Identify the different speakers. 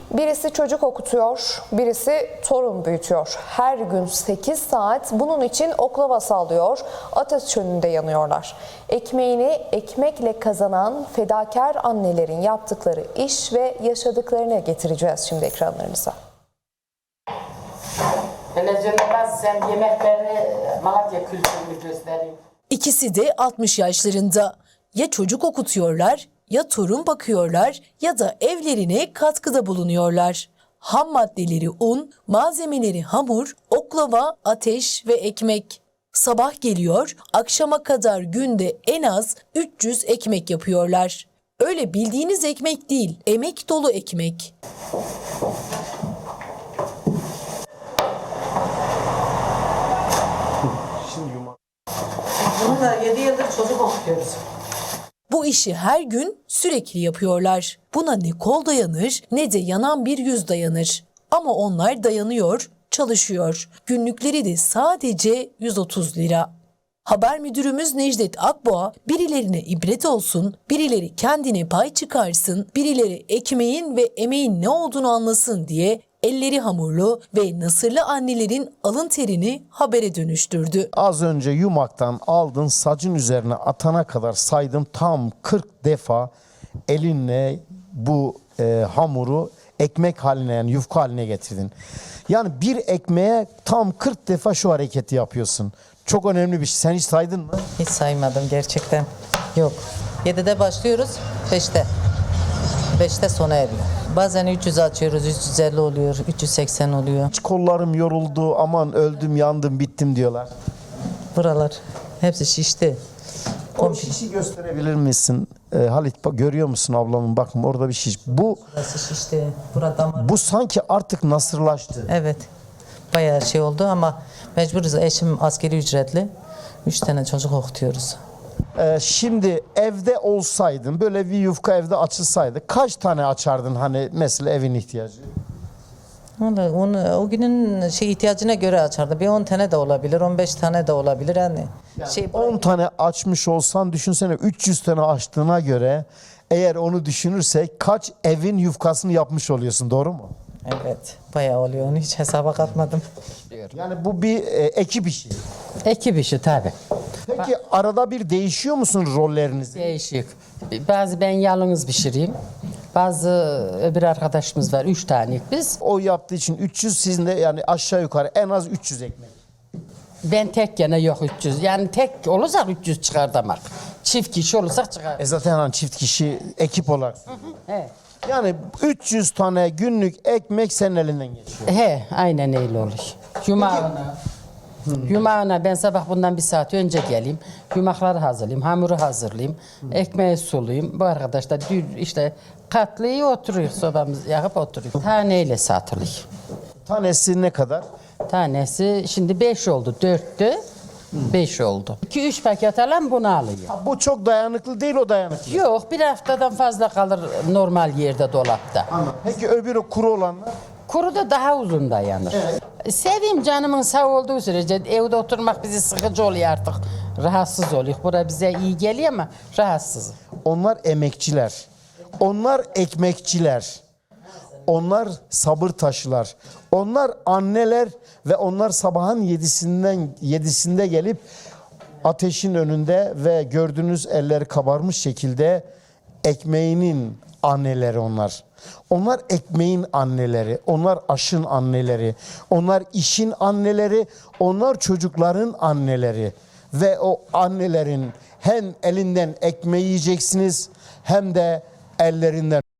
Speaker 1: Birisi çocuk okutuyor, birisi torun büyütüyor. Her gün 8 saat bunun için oklava sallıyor, ateş önünde yanıyorlar. Ekmeğini ekmekle kazanan fedakar annelerin yaptıkları iş ve yaşadıklarını getireceğiz şimdi ekranlarınıza.
Speaker 2: Sen yemeklerini Malatya kültürünü göstereyim.
Speaker 3: İkisi de 60 yaşlarında. Ya çocuk okutuyorlar, ya torun bakıyorlar ya da evlerine katkıda bulunuyorlar. Ham maddeleri un, malzemeleri hamur, oklava, ateş ve ekmek. Sabah geliyor, akşama kadar günde en az 300 ekmek yapıyorlar. Öyle bildiğiniz ekmek değil, emek dolu ekmek.
Speaker 2: Bunu da 7 yıldır çocuk okutuyoruz.
Speaker 3: Bu işi her gün sürekli yapıyorlar. Buna ne kol dayanır ne de yanan bir yüz dayanır. Ama onlar dayanıyor, çalışıyor. Günlükleri de sadece 130 lira. Haber müdürümüz Necdet Akboğa, birilerine ibret olsun, birileri kendine pay çıkarsın, birileri ekmeğin ve emeğin ne olduğunu anlasın diye elleri hamurlu ve nasırlı annelerin alın terini habere dönüştürdü.
Speaker 4: Az önce yumaktan aldın, sacın üzerine atana kadar saydım, tam 40 defa elinle bu hamuru ekmek haline, yani yufka haline getirdin. Yani bir ekmeğe tam 40 defa şu hareketi yapıyorsun. Çok önemli bir şey. Sen hiç saydın mı?
Speaker 5: Hiç saymadım gerçekten. Yok. 7'de başlıyoruz, 5'te. 5'te sona eriyor. Bazen 300 açıyoruz, 350 oluyor, 380 oluyor.
Speaker 4: Hiç kollarım yoruldu, aman öldüm, yandım, bittim diyorlar.
Speaker 5: Buralar hepsi şişti.
Speaker 4: O şişi gösterebilir misin? Halit, görüyor musun ablamın? Bakın orada bir şiş.
Speaker 5: Burası şişti. Burada damar.
Speaker 4: Bu sanki artık nasırlaştı.
Speaker 5: Evet. Bayağı şey oldu ama mecburuz. Eşim askeri ücretli. 3 tane çocuk okutuyoruz.
Speaker 4: Şimdi evde olsaydın, böyle bir yufka evde açılsaydı kaç tane açardın, hani mesela evin ihtiyacı?
Speaker 5: Vallahi onu, o günün ihtiyacına göre açardı. Bir 10 tane de olabilir, 15 tane de olabilir. Yani
Speaker 4: 10 tane açmış olsan düşünsene, 300 tane açtığına göre eğer onu düşünürsek kaç evin yufkasını yapmış oluyorsun, doğru mu?
Speaker 5: Evet, bayağı oluyor. Onu hiç hesaba katmadım.
Speaker 4: Yani bu bir ekip işi.
Speaker 6: Ekip işi tabii.
Speaker 4: Peki arada bir değişiyor musun rolleriniz?
Speaker 6: Değişik. Bazı ben yalnız pişireyim. Bazı öbür arkadaşımız var. 3 tane biz.
Speaker 4: O yaptığı için 300, sizin de yani aşağı yukarı en az 300 ekmek.
Speaker 6: Ben tek gene yok 300. Yani tek olursak 300 çıkar demek. Çift kişi olursak çıkar.
Speaker 4: Zaten hani çift kişi ekip olarak.
Speaker 6: He.
Speaker 4: Yani 300 tane günlük ekmek senin elinden geçiyor.
Speaker 6: He, aynen öyle olur. Yumağına ben sabah bundan 1 saat önce geleyim. Yumakları hazırlayayım, hamuru hazırlayayım, ekmeği sulayayım. Bu arkadaş da işte katlıyı oturuyor, sobamızı yakıp oturuyor. Taneyle satılıyor.
Speaker 4: Tanesi ne kadar?
Speaker 6: Tanesi şimdi 5 oldu, 4'tü. 5 oldu. 2-3 paket alan bunu alıyor.
Speaker 4: Bu çok dayanıklı değil, o dayanıklı.
Speaker 6: Yok, bir haftadan fazla kalır normal yerde, dolapta.
Speaker 4: Peki öbürü kuru olanlar?
Speaker 6: Kuru da daha uzun dayanır. Seveyim, canımın sağ olduğu sürece evde oturmak bizi sıkıcı oluyor artık. Rahatsız oluyor. Bura bize iyi geliyor ama rahatsız.
Speaker 4: Onlar emekçiler. Onlar ekmekçiler. Onlar sabır taşılar. Onlar anneler ve onlar sabahın 7'sinde gelip ateşin önünde ve gördüğünüz elleri kabarmış şekilde ekmeğinin anneleri onlar. Onlar ekmeğin anneleri, onlar aşın anneleri, onlar işin anneleri, onlar çocukların anneleri. Ve o annelerin hem elinden ekmeği yiyeceksiniz hem de ellerinden